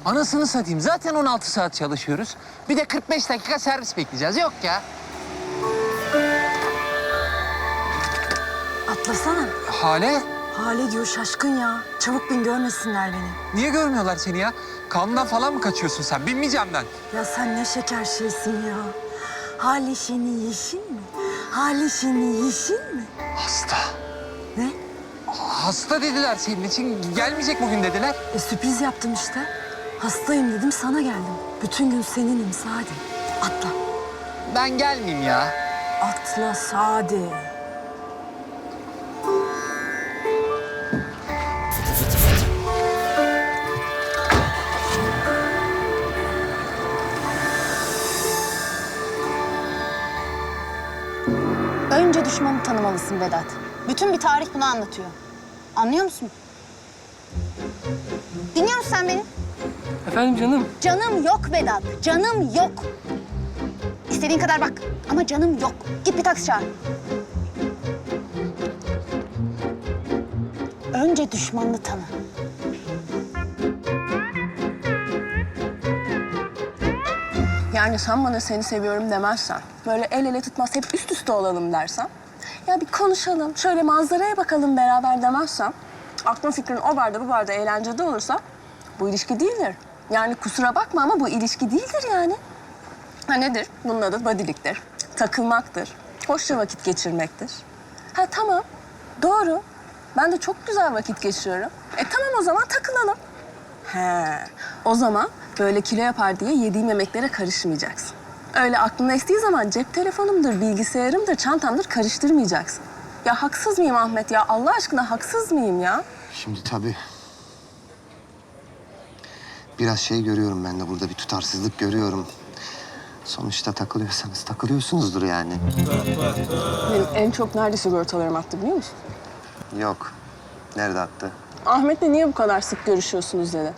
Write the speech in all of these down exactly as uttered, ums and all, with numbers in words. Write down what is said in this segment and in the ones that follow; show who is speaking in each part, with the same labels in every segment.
Speaker 1: Anasını satayım. Zaten on altı saat çalışıyoruz. Bir de kırk beş dakika servis bekleyeceğiz. Yok ya.
Speaker 2: Atlasana.
Speaker 1: Hale,
Speaker 2: Hale diyor şaşkın ya. Çabuk bin görmesinler beni.
Speaker 1: niye görmüyorlar seni ya? Kanundan falan mı kaçıyorsun sen? Binmeyeceğim ben.
Speaker 2: Ya sen ne şeker şeysin ya. Hale şeni yeşil mi? Hale şeni yeşil mi?
Speaker 1: Hasta.
Speaker 2: Ne?
Speaker 1: Hasta dediler senin için. Gelmeyecek bugün dediler.
Speaker 2: E sürpriz yaptım işte. Hastayım dedim sana geldim. Bütün gün seninim Sadi. Atla.
Speaker 1: Ben gelmeyeyim ya.
Speaker 2: Atla Sadi.
Speaker 3: Önce düşmanı tanımalısın Vedat. Bütün bir tarih bunu anlatıyor. Anlıyor musun? Dinliyor musun sen beni?
Speaker 4: Efendim canım?
Speaker 3: Canım yok Vedat, canım yok. İstediğin kadar bak ama canım yok. Git bir taksi çağır. Önce düşmanını tanı.
Speaker 5: Yani sen bana seni seviyorum demezsen, böyle el ele tutmaz hep üst üste olalım dersen, ya bir konuşalım, şöyle manzaraya bakalım beraber demezsem, aklın fikrin o barda bu barda eğlencede olursa bu ilişki değildir. Yani kusura bakma ama bu ilişki değildir yani. Ha nedir? Bunun adı bodyliktir, takılmaktır, hoşça vakit geçirmektir. Ha tamam, doğru. Ben de çok güzel vakit geçiriyorum. E tamam o zaman takılalım. He, o zaman böyle kilo yapar diye yediğim yemeklere karışmayacaksın. Öyle aklına estiği zaman cep telefonumdur, bilgisayarımdır, çantamdır karıştırmayacaksın. Ya haksız mıyım Ahmet ya? Allah aşkına haksız mıyım ya?
Speaker 6: Şimdi tabii biraz şey görüyorum ben de burada bir tutarsızlık görüyorum. Sonuçta takılıyorsanız takılıyorsunuzdur yani.
Speaker 5: Benim en çok nerede sigortalarım attı biliyor musun?
Speaker 6: Yok. Nerede attı?
Speaker 5: Ahmet'le niye bu kadar sık görüşüyorsunuz dedi.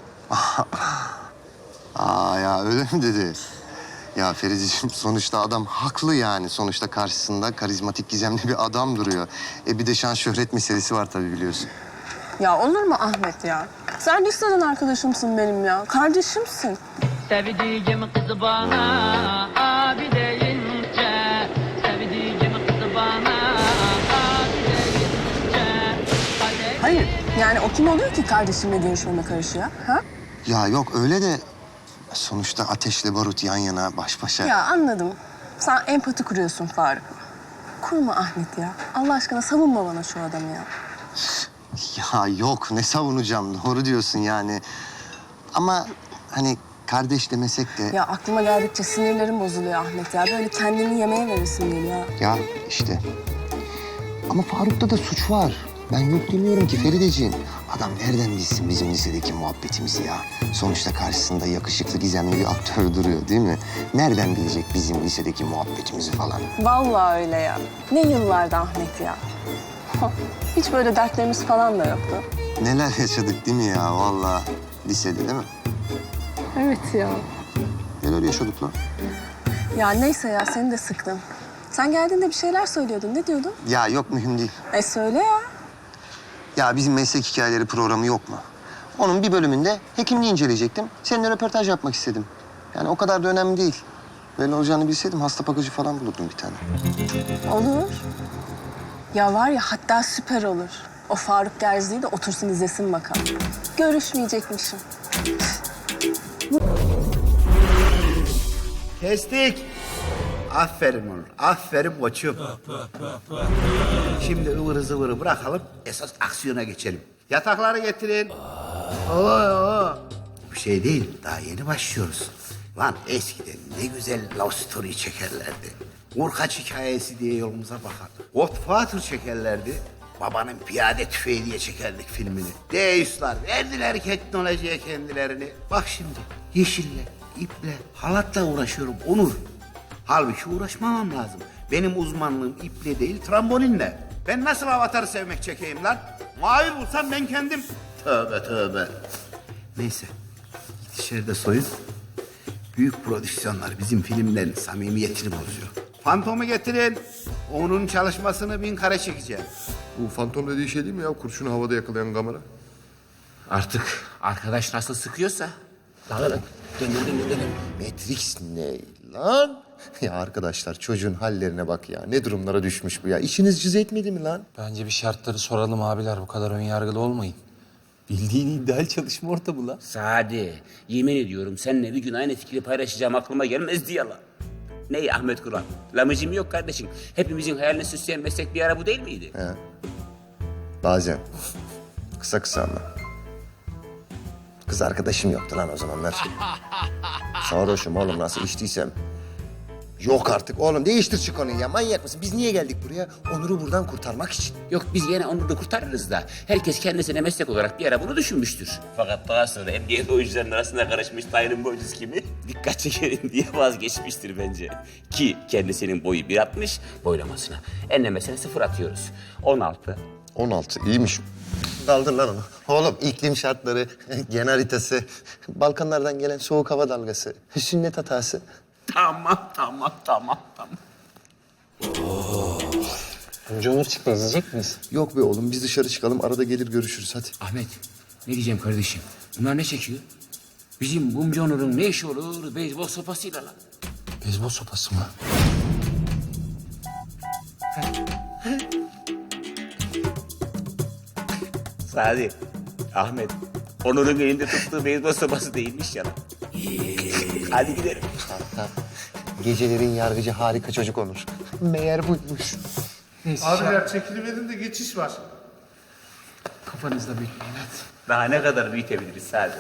Speaker 6: Aa ya öyle mi dedi? Ya Ferideciğim sonuçta adam haklı yani. Sonuçta karşısında karizmatik gizemli bir adam duruyor. E bir de şan şöhret meselesi var tabii biliyorsun.
Speaker 5: Ya olur mu Ahmet ya? Sen liseden arkadaşımsın benim ya. Kardeşimsin.
Speaker 4: Sevdiğim kızı bana abi deyince, sevdiğim kızı bana abi deyince.
Speaker 5: Hayır. Yani o kim oluyor ki kardeşimle görüşmeme karışıyor? Ha?
Speaker 6: Ya yok öyle de sonuçta ateşle barut yan yana baş başa.
Speaker 5: Ya anladım. Sen empati kuruyorsun Faruk. Kurma Ahmet ya. Allah aşkına savunma bana şu adamı ya.
Speaker 6: Ya yok ne savunacağım doğru diyorsun yani. Ama hani kardeş demesek de...
Speaker 5: Ya aklıma geldikçe sinirlerim bozuluyor Ahmet ya. Böyle kendini yemeğe verirsin geliyor.
Speaker 6: Ya işte. Ama Faruk'ta da suç var. Ben yok demiyorum ki Ferideciğim. Adam nereden bilsin bizim lisedeki muhabbetimizi ya? Sonuçta karşısında yakışıklı, gizemli bir aktör duruyor değil mi? Nereden bilecek bizim lisedeki muhabbetimizi falan?
Speaker 5: Vallahi öyle ya. Ne yıllardı Ahmet ya. Hiç böyle dertlerimiz falan da yoktu.
Speaker 6: Neler yaşadık değil mi ya vallahi lisede değil mi?
Speaker 5: Evet ya.
Speaker 6: Neler yaşadık lan?
Speaker 5: Ya neyse ya seni de sıktım. Sen geldiğinde bir şeyler söylüyordun. Ne diyordun?
Speaker 6: Ya yok mühim değil.
Speaker 5: E söyle ya.
Speaker 6: Ya bizim meslek hikayeleri programı yok mu? Onun bir bölümünde hekimliği inceleyecektim. Seninle röportaj yapmak istedim. Yani o kadar da önemli değil. Böyle olacağını bilseydim hasta bakıcı falan bulurdum bir tane.
Speaker 5: Olur. Ya var ya hatta süper olur. O Faruk Gerzi'yi de otursun izlesin bakalım. Görüşmeyecekmişim.
Speaker 7: Kestik. Aferin oğlum. Aferin koçum. Şimdi ıvırı zıvırı bırakalım. Esas aksiyona geçelim. Yatakları getirin. Oo, oo. Bir şey değil. Daha yeni başlıyoruz. Lan eskiden ne güzel love story çekerlerdi. Urkaç hikayesi diye yolumuza bakardık. Godfather çekerlerdi. Babanın piyade tüfeği diye çekerdik filmini. Deuslar verdiler teknolojiye kendilerini. Bak şimdi yeşille, iple, halatla uğraşıyorum Onur. Halbuki uğraşmamam lazım. Benim uzmanlığım iple değil, trambolinle. Ben nasıl avatarı sevmek çekeyim lan? Mavi bulsam ben kendim. Tövbe tövbe. Neyse, git içeride soyun. Büyük prodüksiyonlar bizim filmlerin samimiyetini bozuyor. Fantomu getirin. Onun çalışmasını bin kare çekeceğim.
Speaker 8: Bu fantom dediği şey değil mi ya? Kurşunu havada yakalayan kamera.
Speaker 9: Artık arkadaş nasıl sıkıyorsa
Speaker 7: Lan lan. Dön dön dön dön.
Speaker 6: Matrix ne lan? Ya arkadaşlar çocuğun hallerine bak ya. Ne durumlara düşmüş bu ya. İşiniz cız etmedi mi lan?
Speaker 1: Bence bir şartları soralım abiler. Bu kadar önyargılı olmayın. Bildiğin ideal çalışma ortamı lan.
Speaker 8: Sadi, yemin ediyorum seninle bir gün aynı fikri paylaşacağım aklıma gelmezdi ya la. Ney Ahmet Kur'an? Lamıcım yok kardeşim. Hepimizin hayalini süsleyen meslek bir ara bu değil miydi?
Speaker 6: He. Bazen. Kısa kısa ama. Kız arkadaşım yoktu lan o zamanlar. Sarhoşum oğlum nasıl içtiysem. Yok artık oğlum değiştir şu konuyu ya. Manyak mısın? Biz niye geldik buraya? Onur'u buradan kurtarmak için.
Speaker 8: Yok biz yine onu da kurtarırız da. Herkes kendisine meslek olarak bir ara bunu düşünmüştür. Fakat daha sonra emniyet oyuncularının arasında karışmış Taylan boycusu kimi dikkat çekelim diye vazgeçmiştir bence. Ki kendisinin boyu bir altmış boylamasına. Enlemesine sıfır atıyoruz. on altı.
Speaker 6: on altı iyiymiş. Kaldır lan onu. Oğlum iklim şartları, gen haritası, Balkanlardan gelen soğuk hava dalgası, sünnet hatası.
Speaker 8: Tamam, tamam, tamam, tamam.
Speaker 1: Önce Onur çıktı. İzleyecek miyiz?
Speaker 6: Yok be oğlum biz dışarı çıkalım arada gelir görüşürüz hadi.
Speaker 8: Ahmet, ne diyeceğim kardeşim? Bunlar ne çekiyor? Bizim Bumcu Onur'un ne işi olur beyzbol sopasıyla lan?
Speaker 1: Beyzbol sopası mı?
Speaker 8: Sadi, Ahmet, Onur'un elinde tuttuğu beyzbol sopası değilmiş ya lan. Hadi gidelim.
Speaker 6: Gecelerin yargıcı harika çocuk Onur. Meğer buymuş.
Speaker 9: Abiler çekiliverin de geçiş var.
Speaker 1: Kafanızda büyütmeyin hadi.
Speaker 8: Daha ne kadar büyütebiliriz Sadi?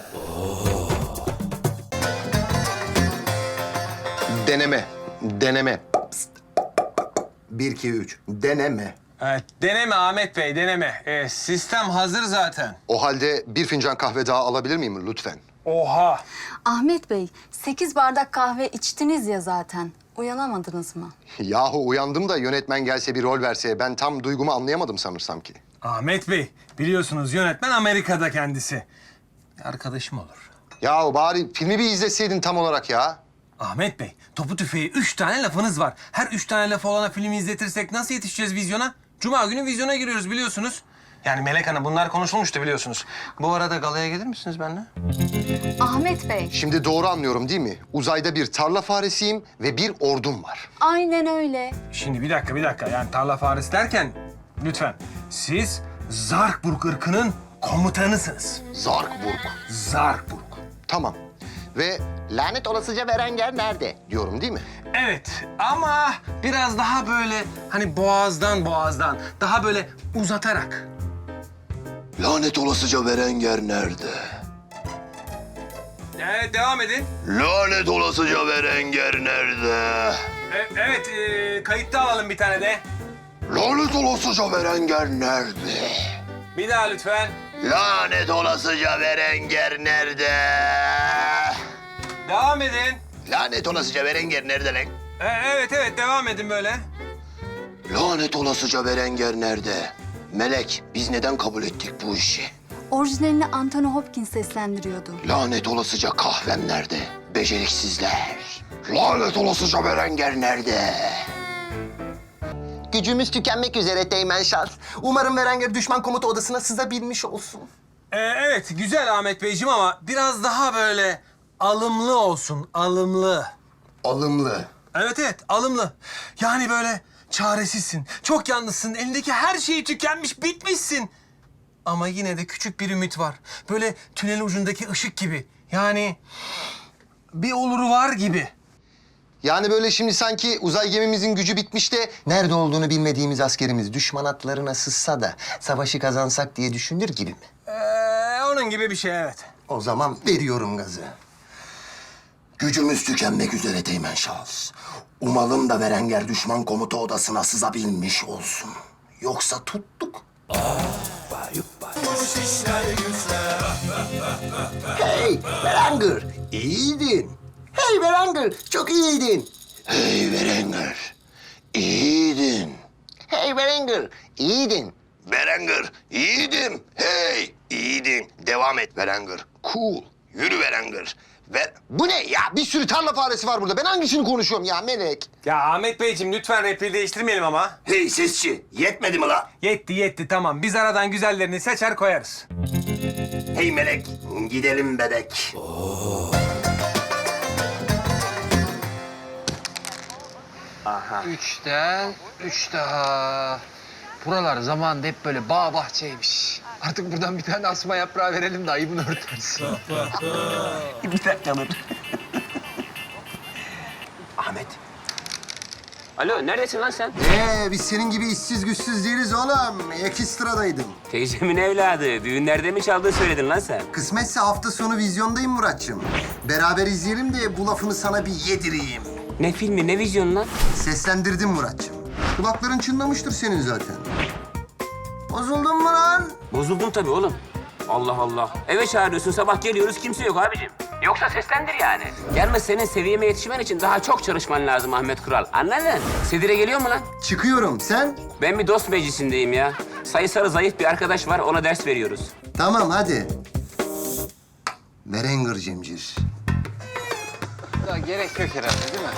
Speaker 6: Deneme, deneme. Psst. Bir, iki, üç. Deneme.
Speaker 10: Evet, deneme Ahmet Bey, deneme. Ee, sistem hazır zaten.
Speaker 6: O halde bir fincan kahve daha alabilir miyim lütfen?
Speaker 10: Oha!
Speaker 2: Ahmet Bey, sekiz bardak kahve içtiniz ya zaten. Uyanamadınız mı?
Speaker 6: Yahu uyandım da yönetmen gelse bir rol verse ben tam duygumu anlayamadım sanırsam ki.
Speaker 10: Ahmet Bey, biliyorsunuz yönetmen Amerika'da kendisi. Arkadaşım olur.
Speaker 6: Yahu bari filmi bir izleseydin tam olarak ya.
Speaker 10: Ahmet Bey, topu tüfeği üç tane lafınız var. Her üç tane laf olana filmi izletirsek nasıl yetişeceğiz vizyona? Cuma günü vizyona giriyoruz biliyorsunuz. Yani Melek Hanım bunlar konuşulmuştu biliyorsunuz. Bu arada galaya gelir misiniz benimle?
Speaker 2: Ahmet Bey,
Speaker 6: Şimdi doğru anlıyorum değil mi? Uzayda bir tarla faresiyim ve bir ordum var.
Speaker 2: aynen öyle.
Speaker 10: Şimdi bir dakika, bir dakika. Yani tarla faresi derken lütfen siz Zarkburg ırkının komutanısınız.
Speaker 6: Zarkburg.
Speaker 10: Zarkburg.
Speaker 6: Tamam. Ve lanet olasıca Berenger nerede diyorum değil mi?
Speaker 10: Evet ama biraz daha böyle hani boğazdan boğazdan daha böyle uzatarak.
Speaker 6: Lanet olasıca Berenger nerede?
Speaker 10: Evet devam edin.
Speaker 6: Lanet olasıca Berenger nerede?
Speaker 10: E- evet e, kayıtta alalım bir tane de.
Speaker 6: Lanet olasıca Berenger nerede?
Speaker 10: Bir daha lütfen.
Speaker 6: Lanet olasıca Berenger nerede?
Speaker 10: Devam edin.
Speaker 6: Lanet olasıca Berenger nerede lan?
Speaker 10: E- evet evet devam edin böyle.
Speaker 6: Lanet olasıca Berenger nerede? Melek, biz neden kabul ettik bu işi?
Speaker 2: Orijinalini Anthony Hopkins seslendiriyordu.
Speaker 6: Lanet olasıca kahvem nerede? Beceriksizler. Lanet olasıca Berenger nerede? Gücümüz tükenmek üzere Teğmen Şans. Umarım Berenger düşman komuta odasına sızabilmiş olsun.
Speaker 10: E- evet güzel Ahmet Beyciğim ama biraz daha böyle alımlı olsun, alımlı.
Speaker 6: Alımlı.
Speaker 10: Evet evet alımlı. Yani böyle çaresizsin, çok yalnızsın, elindeki her şeyi tükenmiş, bitmişsin. Ama yine de küçük bir ümit var. Böyle tünel ucundaki ışık gibi. Yani bir oluru var gibi.
Speaker 6: Yani böyle şimdi sanki uzay gemimizin gücü bitmiş de nerede olduğunu bilmediğimiz askerimiz düşman atlarına sızsa da savaşı kazansak diye düşünür gibi mi?
Speaker 10: Ee, onun gibi bir şey evet.
Speaker 6: O zaman veriyorum gazı. Gücümüz tükenmek üzere Teğmen Şahıs. Umalım da Berenger düşman komuta odasına sızabilmiş olsun. Yoksa tuttuk. Hey Berenger, iyiydin. Hey Berenger, çok iyiydin. Hey Berenger, iyiydin. Hey Berenger, iyiydin. Berenger, iyiydim. Hey, iyiydin. Devam et Berenger. Cool. Yürü Berenger. Ver. Bu ne ya? Bir sürü tarla faresi var burada. Ben hangisini konuşuyorum ya Melek?
Speaker 10: Ya Ahmet Beyciğim lütfen repliği değiştirmeyelim ama.
Speaker 6: Hey sesçi, yetmedi mi la?
Speaker 10: Yetti yetti tamam. Biz aradan güzellerini seçer koyarız.
Speaker 6: Hey Melek, gidelim bebek.
Speaker 8: daha.
Speaker 11: Üçten üç daha. Buralar zamanında hep böyle bağ bahçeymiş. Artık buradan bir tane asma yaprağı verelim de ayıbını örtersin.
Speaker 8: Bir dakika dur. Ahmet. Alo, neredesin lan sen?
Speaker 6: Ee, biz senin gibi işsiz güçsüz değiliz oğlum. Ekstradaydım.
Speaker 8: Teyzemin evladı. Düğünlerde mi çaldığını söyledin lan sen?
Speaker 6: Kısmetse hafta sonu vizyondayım Muratçım. Beraber izleyelim de bu lafını sana bir yedireyim.
Speaker 8: Ne filmi, ne vizyonu lan?
Speaker 6: Seslendirdim Muratçım. Kulakların çınlamıştır senin zaten. Bozuldun mu lan?
Speaker 8: Bozuldum tabii oğlum. Allah Allah. Eve çağırıyorsun, sabah geliyoruz, kimse yok abicim. Yoksa seslendir yani. Yalnız senin seviyeme yetişmen için daha çok çalışman lazım Ahmet Kural. Anladın? Sedire geliyor mu lan?
Speaker 6: Çıkıyorum. Sen?
Speaker 8: Ben bir dost meclisindeyim ya. Sayısalı zayıf bir arkadaş var, ona ders veriyoruz.
Speaker 6: Tamam hadi. Merenger Cemcir.
Speaker 11: Daha gerek yok herhalde değil mi?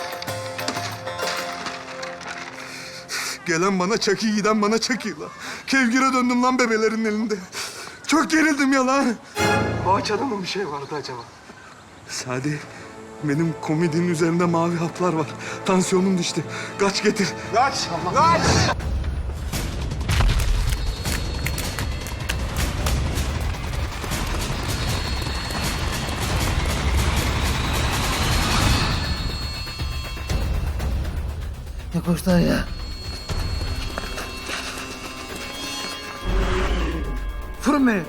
Speaker 9: Gelen bana çakı, giden bana çakıyla. Kevgire döndüm lan bebelerin elinde. Çok gerildim ya lan.
Speaker 10: Boğaçada mı bir şey vardı acaba?
Speaker 9: Sadi, benim komedinin üzerinde mavi haplar var. Tansiyonum düştü. Kaç getir.
Speaker 10: Kaç! Kaç!
Speaker 1: Ne koşlar ya? Vurun beni.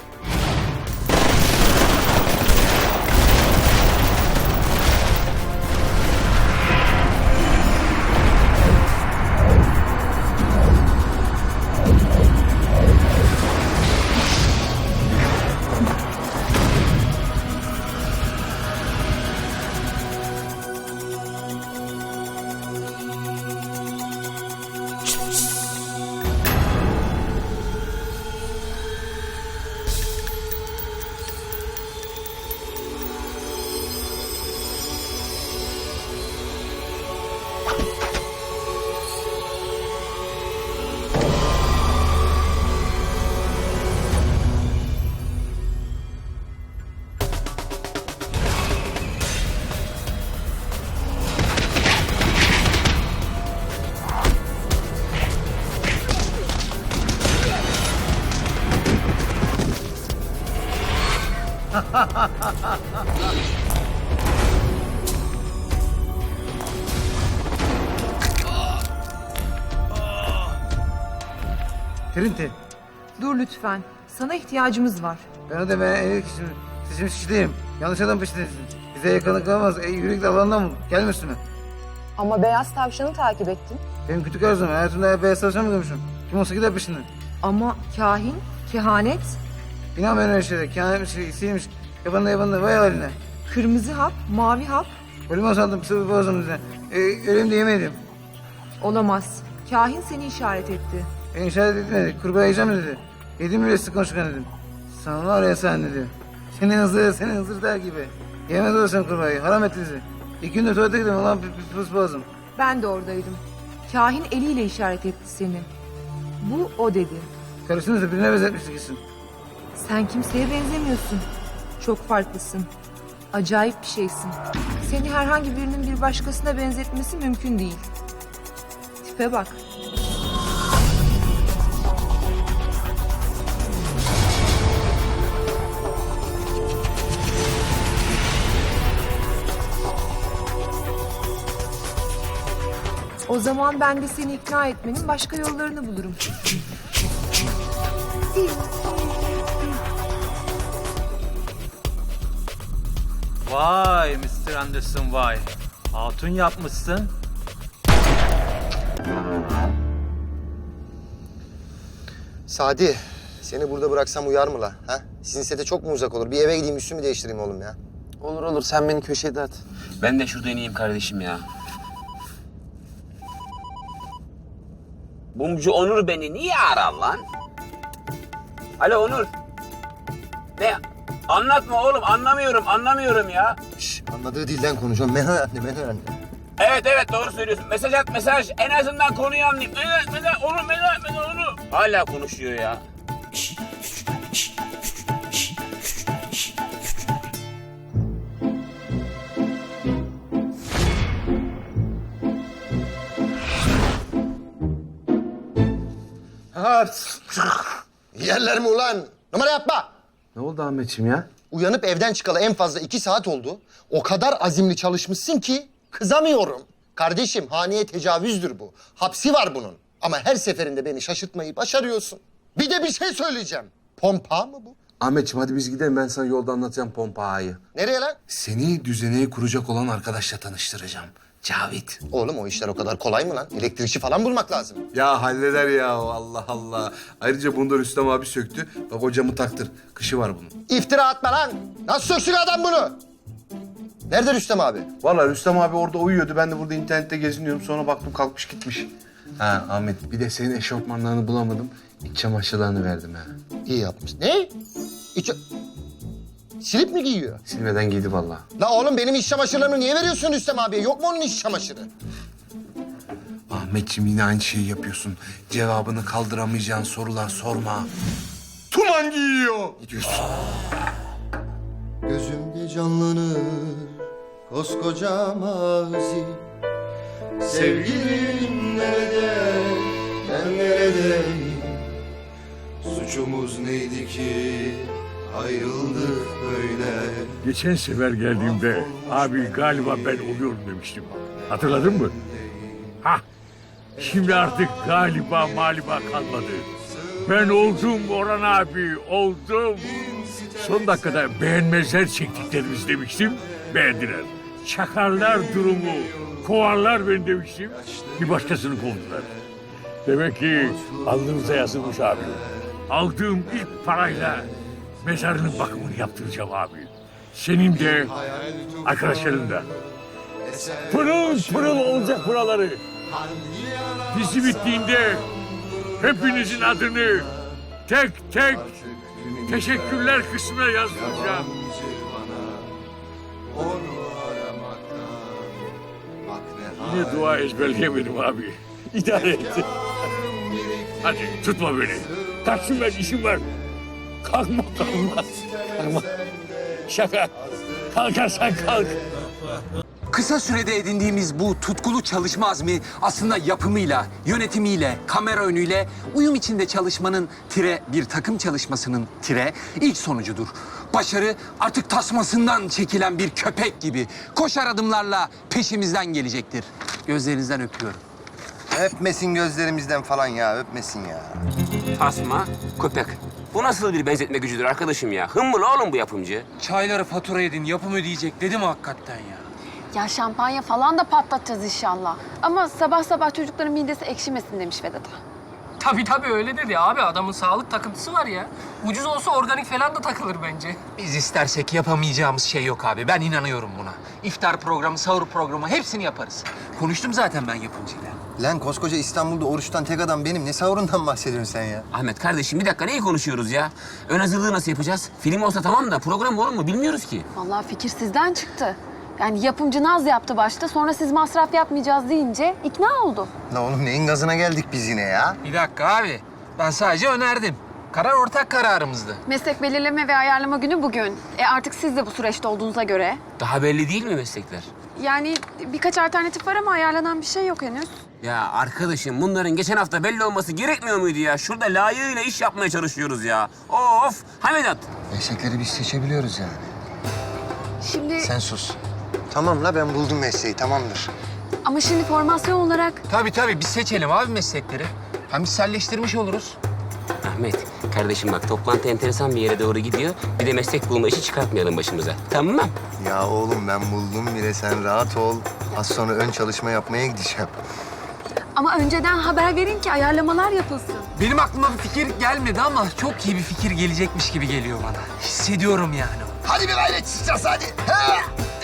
Speaker 12: Trinity,
Speaker 13: Dur lütfen. Sana ihtiyacımız var.
Speaker 12: ben o da ben en iyi kişiyim. Seçilmiş kişi değilim. Yanlış adam peşindesin. Bize yakınlık kalmaz. E, yürü git alandan mı? Gelme üstüme.
Speaker 13: Ama beyaz tavşanı takip ettin.
Speaker 12: Benim kötü arzum. Hayatımda beyaz tavşan mı görmüşüm? Kim olsa gider peşinden.
Speaker 13: Ama kahin, kehanet,
Speaker 12: İnan ben öyle şeylere. Kâhmetmiş, iyisiymiş. Yabanında yabanında. Vay haline.
Speaker 13: kırmızı hap, mavi hap
Speaker 12: Ölüme sandım. Sıvı boğazım üzerine. E, öleyim de yemeyelim.
Speaker 13: olamaz. Kahin seni işaret etti.
Speaker 12: Beni işaret etmedi. Kurbağa yiyeceğim dedi. Yedim bile sık konuşkan dedim. Sana var ya sen dedi. Senin hızır, senin hızır der gibi. Yemez olursan kurbağayı. Haram ettinizi. İki gündür tuvalete gidiyorum. Ulan pis pis boğazım.
Speaker 13: Ben de oradaydım. Kahin eliyle işaret etti seni. Bu o dedi.
Speaker 12: Karısını birine benzetmiştik isim.
Speaker 13: Sen kimseye benzemiyorsun. Çok farklısın. Acayip bir şeysin. Seni herhangi birinin bir başkasına benzetmesi mümkün değil. Tipe bak. O zaman ben de seni ikna etmenin başka yollarını bulurum.
Speaker 14: Vay mister Anderson vay. Hatun yapmışsın.
Speaker 6: Sadi, seni burada bıraksam uyar mı la? Ha? Sizin sete çok mu uzak olur? Bir eve gideyim üstümü değiştireyim oğlum ya.
Speaker 11: Olur olur sen beni köşede at.
Speaker 8: Ben de şurada ineyim kardeşim ya. Bumcu Onur beni niye arar lan? Alo Onur. Ne? Anlatma oğlum, anlamıyorum, anlamıyorum ya.
Speaker 6: Şş, anladığı dilden konuşuyorum. Menel anne, menel anne.
Speaker 8: Evet evet doğru söylüyorsun. Mesaj at mesaj. En azından konuyu anlayayım. Evet mesaj onu mesaj mesaj onu. Hala konuşuyor ya.
Speaker 1: çağır.
Speaker 6: Yerler mi ulan? Numara yapma.
Speaker 1: Ne oldu Ahmetciğim ya?
Speaker 6: Uyanıp evden çıkalı en fazla iki saat oldu. O kadar azimli çalışmışsın ki kızamıyorum. Kardeşim haneye tecavüzdür bu. Hapsi var bunun. Ama her seferinde beni şaşırtmayı başarıyorsun. Bir de bir şey söyleyeceğim. Pompa mı bu?
Speaker 1: Ahmetciğim hadi biz gidelim, ben sana yolda anlatacağım pompa ağayı.
Speaker 6: Nereye lan?
Speaker 1: Seni düzeneyi kuracak olan arkadaşla tanıştıracağım. Cavit.
Speaker 6: Oğlum o işler o kadar kolay mı lan? Elektrikçi falan bulmak lazım.
Speaker 1: Ya halleder ya, Allah Allah. Ayrıca bunu da Rüstem abi söktü. Bak o camı taktır. Kışı var bunun.
Speaker 6: İftira atma lan. Nasıl söksün adam bunu? Nerede Rüstem abi?
Speaker 1: Vallahi Rüstem abi orada uyuyordu. Ben de burada internette geziniyorum. Sonra baktım kalkmış gitmiş. Ha Ahmet, bir de senin eşofmanlarını bulamadım. İç çamaşırlarını verdim ha.
Speaker 6: İyi yapmış. Ne? İç... Silip mi giyiyor?
Speaker 1: Silmeden giydi vallahi.
Speaker 6: La oğlum benim iç çamaşırlarımı niye veriyorsun Rüstem abiye? Yok mu onun iç çamaşırı?
Speaker 1: Ahmetciğim yine aynı şeyi yapıyorsun. Cevabını kaldıramayacağın sorular sorma. Tuman giyiyor. Gidiyorsun.
Speaker 6: Gözümde canlanır koskoca mazi. Sevgilim nerede, ben neredeyim? Suçumuz neydi ki ayrıldık böyle?
Speaker 15: Geçen sefer geldiğimde abi galiba ben oluyorum demiştim. Hatırladın mı? Hah. Şimdi artık galiba maliba kalmadı. Ben oldum Orhan abi, oldum. Son dakikada beğenmezler çektiklerimiz demiştim, beğendiler. Çakarlar durumu, kovarlar beni demiştim, bir başkasını kovdular. Demek ki alnımıza yazılmış abi. Aldığım ilk parayla mezarının bakımını yaptıracağım abi. Senin de, arkadaşların da. Pırıl pırıl olacak buraları. Dizi bittiğinde hepinizin adını tek tek teşekkürler kısmına yazdıracağım. Yine dua ezberleyemedim abi. İdare et. Hadi tutma beni. Kaçtım ben, işim var. Kalkma kalkma. Kalkma. Şaka. Kalkarsan kalk.
Speaker 11: Kısa sürede edindiğimiz bu tutkulu çalışma azmi aslında yapımıyla, yönetimiyle, kamera önüyle, uyum içinde çalışmanın tire bir takım çalışmasının tire ilk sonucudur. Başarı artık tasmasından çekilen bir köpek gibi koşar adımlarla peşimizden gelecektir. Gözlerinizden öpüyorum.
Speaker 6: Öpmesin gözlerimizden falan ya, öpmesin ya.
Speaker 8: Tasma, köpek. Bu nasıl bir benzetme gücüdür arkadaşım ya? Hımbıl oğlum bu yapımcı.
Speaker 10: Çayları fatura edin, yapım ödeyecek dedim hakikaten ya.
Speaker 5: Ya şampanya falan da patlatacağız inşallah. Ama sabah sabah çocukların midesi ekşimesin demiş Vedat'a.
Speaker 4: Tabii tabii öyle dedi abi. Adamın sağlık takıntısı var ya. Ucuz olsa organik falan da takılır bence.
Speaker 11: Biz istersek yapamayacağımız şey yok abi. Ben inanıyorum buna. İftar programı, sahur programı hepsini yaparız. Konuştum zaten ben yapımcıyla.
Speaker 6: Lan koskoca İstanbul'da oruçtan tek adam benim. Ne sahurundan bahsediyorsun sen ya?
Speaker 8: Ahmet kardeşim bir dakika neyi konuşuyoruz ya? Ön hazırlığı nasıl yapacağız? Film olsa tamam da program olur mu bilmiyoruz ki.
Speaker 5: Vallahi fikir sizden çıktı. Yani yapımcı naz yaptı başta, sonra siz masraf yapmayacağız deyince ikna oldu.
Speaker 6: La oğlum neyin gazına geldik biz yine ya?
Speaker 11: Bir dakika abi. Ben sadece önerdim. Karar ortak kararımızdı.
Speaker 5: Meslek belirleme ve ayarlama günü bugün. E artık siz de bu süreçte olduğunuza göre.
Speaker 8: Daha belli değil mi meslekler?
Speaker 5: Yani birkaç alternatif var ama ayarlanan bir şey yok henüz.
Speaker 8: Ya arkadaşım bunların geçen hafta belli olması gerekmiyor muydu ya? Şurada layığıyla iş yapmaya çalışıyoruz ya. Of! Hamedat!
Speaker 6: Meslekleri biz seçebiliyoruz yani.
Speaker 5: Şimdi
Speaker 6: Sen sus. Tamam la ben buldum mesleği, tamamdır.
Speaker 5: ama şimdi formasyon olarak
Speaker 11: Tabii tabii biz seçelim abi meslekleri. Hem içselleştirmiş oluruz.
Speaker 8: Ahmet, kardeşim bak toplantı enteresan bir yere doğru gidiyor. Bir de meslek bulma işi çıkartmayalım başımıza. Tamam mı?
Speaker 6: Ya oğlum ben buldum bile, sen rahat ol. Az sonra ön çalışma yapmaya gideceğim.
Speaker 5: ama önceden haber verin ki ayarlamalar yapılsın.
Speaker 11: Benim aklıma bir fikir gelmedi ama çok iyi bir fikir gelecekmiş gibi geliyor bana. Hissediyorum yani.
Speaker 6: Hadi bir gayret çıkacağız hadi. Ha!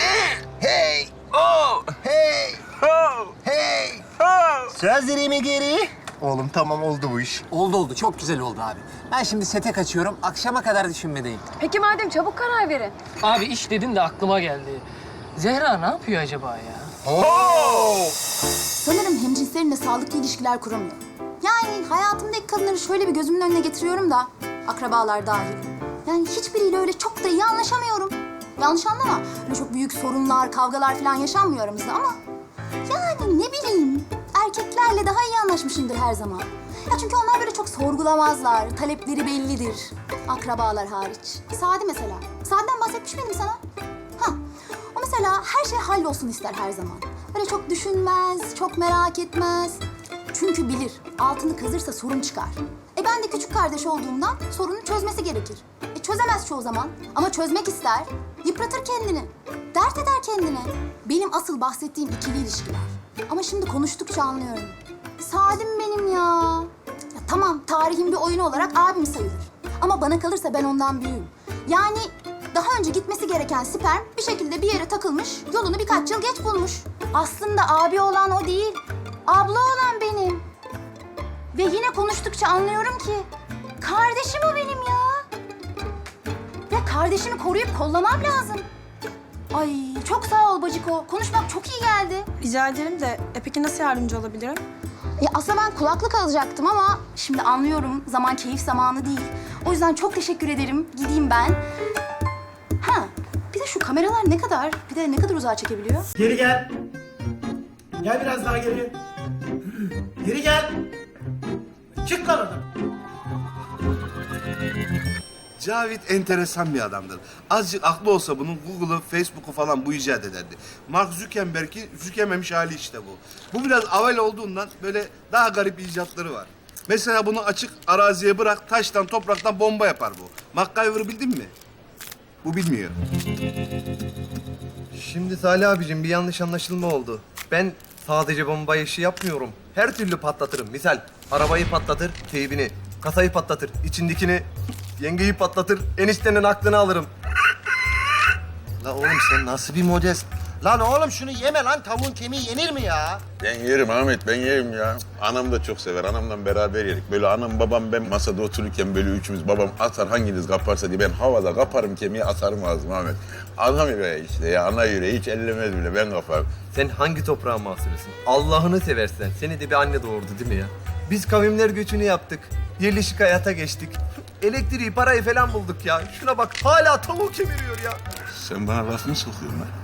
Speaker 6: Hey!
Speaker 8: Oh!
Speaker 6: Hey!
Speaker 8: Oh!
Speaker 6: Hey!
Speaker 8: Oh!
Speaker 6: Sözlerimi geri. Oğlum tamam oldu bu iş.
Speaker 11: Oldu oldu. Çok güzel oldu abi. Ben şimdi sete kaçıyorum. Akşama kadar düşünmedeyim.
Speaker 5: Peki madem çabuk karar verin.
Speaker 4: Abi iş dedin de aklıma geldi. Zehra ne yapıyor acaba ya?
Speaker 3: Sanırım hemcinslerimle sağlıklı ilişkiler kuramıyorum. Yani hayatımdaki kadınları şöyle bir gözümün önüne getiriyorum da akrabalar dahil. Yani hiçbiriyle öyle çok da iyi anlaşamıyorum. Yanlış anlama. Öyle çok büyük sorunlar, kavgalar falan yaşanmıyor aramızda ama yani ne bileyim erkeklerle daha iyi anlaşmışımdır her zaman. Ya çünkü onlar böyle çok sorgulamazlar, talepleri bellidir. Akrabalar hariç. Sadi mesela. Sadi'den bahsetmiş miydim sana? Ha, o mesela her şey hallolsun ister her zaman. Böyle çok düşünmez, çok merak etmez. Çünkü bilir, altını kazırsa sorun çıkar. E ben de küçük kardeş olduğumdan sorunu çözmesi gerekir. E çözemez çoğu zaman ama çözmek ister. Yıpratır kendini, dert eder kendine. Benim asıl bahsettiğim ikili ilişkiler. Ama şimdi konuştukça anlıyorum. Sadim benim ya. Ya tamam, tarihin bir oyunu olarak abim sayılır. Ama bana kalırsa ben ondan büyüğüm. Yani daha önce gitmesi gereken sperm bir şekilde bir yere takılmış, yolunu birkaç yıl geç bulmuş. Aslında abi olan o değil, abla olan benim. Ve yine konuştukça anlıyorum ki kardeşim o benim ya. Ya kardeşimi koruyup kollamam lazım. Ay çok sağ ol Baciko. Konuşmak çok iyi geldi.
Speaker 5: Rica ederim de e peki nasıl yardımcı olabilirim?
Speaker 3: Ya aslında ben kulaklık alacaktım ama şimdi anlıyorum zaman keyif zamanı değil. O yüzden çok teşekkür ederim. Gideyim ben. Ha, bir de şu kameralar ne kadar, bir de ne kadar uzağa çekebiliyor?
Speaker 16: Geri gel. Gel biraz daha geri. Geri gel. Çık lan oradan.
Speaker 1: Cavit enteresan bir adamdır. Azıcık aklı olsa bunun Google'ı, Facebook'u falan bu icat ederdi. Mark Zuckerberg'i sükememiş hali işte bu. Bu biraz avel olduğundan böyle daha garip icatları var. Mesela bunu açık araziye bırak, taştan, topraktan bomba yapar bu. MacGyver'ı bildin mi? Bu bilmiyor.
Speaker 17: Şimdi Salih abicim bir yanlış anlaşılma oldu. Ben sadece bomba işi yapmıyorum. Her türlü patlatırım. Misal arabayı patlatır, teybini. Kasayı patlatır, içindekini. Yengeyi patlatır, eniştenin aklını alırım.
Speaker 6: La oğlum sen nasıl bir modest? Lan oğlum şunu yeme lan, tavuğun kemiği yenir mi ya?
Speaker 15: Ben yerim Ahmet, ben yerim ya. Anam da çok sever, anamla beraber yerik. Böyle anam, babam, ben masada otururken böyle üçümüz, babam atar hanginiz kaparsa diye ben havada kaparım kemiği, atarım ağzıma Ahmet. Adam yüreği işte ya, ana yüreği hiç ellemez bile, ben kaparım.
Speaker 17: Sen hangi toprağın mahsulüsün? Allah'ını seversen. Seni de bir anne doğurdu değil mi ya? Biz kavimler göçünü yaptık. Yerleşik hayata geçtik. Elektriği, parayı falan bulduk ya. Şuna bak, hala tavuğu kemiriyor ya.
Speaker 15: Sen bana laf mı sokuyorsun lan?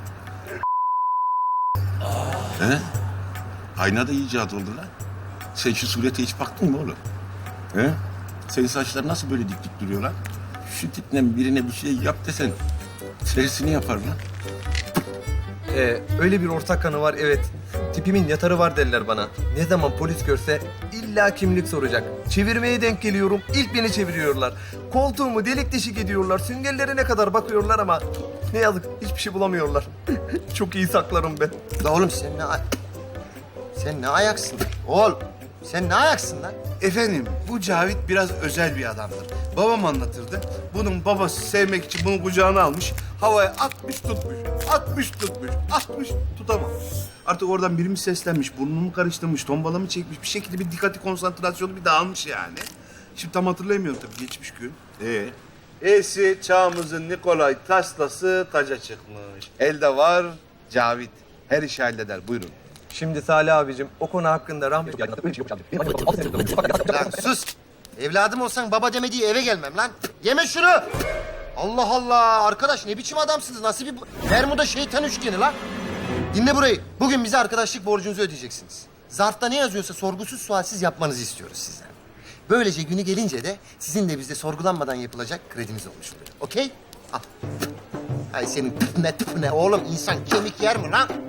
Speaker 15: He? Ayna da icat oldu lan. Sen şu surete hiç baktın mı oğlum? He? Senin saçlar nasıl böyle dik dik duruyor lan? Şu tiple birine bir şey yap desen tersini yapar lan.
Speaker 17: Ee, öyle bir ortak kanı var evet. Tipimin yatarı var derler bana. Ne zaman polis görse illa kimlik soracak. Çevirmeye denk geliyorum. İlk beni çeviriyorlar. Koltuğumu delik deşik ediyorlar. Süngerlerine kadar bakıyorlar ama ne yazık hiçbir şey bulamıyorlar. Çok iyi saklarım ben.
Speaker 6: La oğlum sen ne ay- Sen ne ayaksın? Oğul sen ne ayaksın lan?
Speaker 1: Efendim, bu Cavit biraz özel bir adamdır. Babam anlatırdı. Bunun babası sevmek için bunu kucağına almış, havaya atmış tutmuş, atmış tutmuş, atmış tutamamış. Artık oradan biri mi seslenmiş, burnunu mu karıştırmış, tombala mı çekmiş, bir şekilde bir dikkati, konsantrasyonu bir dağılmış yani. Şimdi tam hatırlayamıyorum tabii, geçmiş gün. Ee? E'si çağımızın Nikolay Tesla'sı taca çıkmış. Elde var Cavit. Her işi halleder, buyurun.
Speaker 17: Şimdi Salih abicim o konu hakkında rahmet...
Speaker 6: Lan sus! Evladım olsan baba demediği eve gelmem lan. Yeme şunu! Allah Allah! Arkadaş ne biçim adamsınız? Nasıl bir... Bermuda şeytan üçgeni lan? Dinle burayı. Bugün bize arkadaşlık borcunuzu ödeyeceksiniz. Zarfta ne yazıyorsa sorgusuz sualsiz yapmanızı istiyoruz sizden. Böylece günü gelince de sizin de bizde sorgulanmadan yapılacak krediniz olmuş oluyor. Okey? Al. Ay senin tıp ne tıp ne oğlum, insan kemik yer mi lan?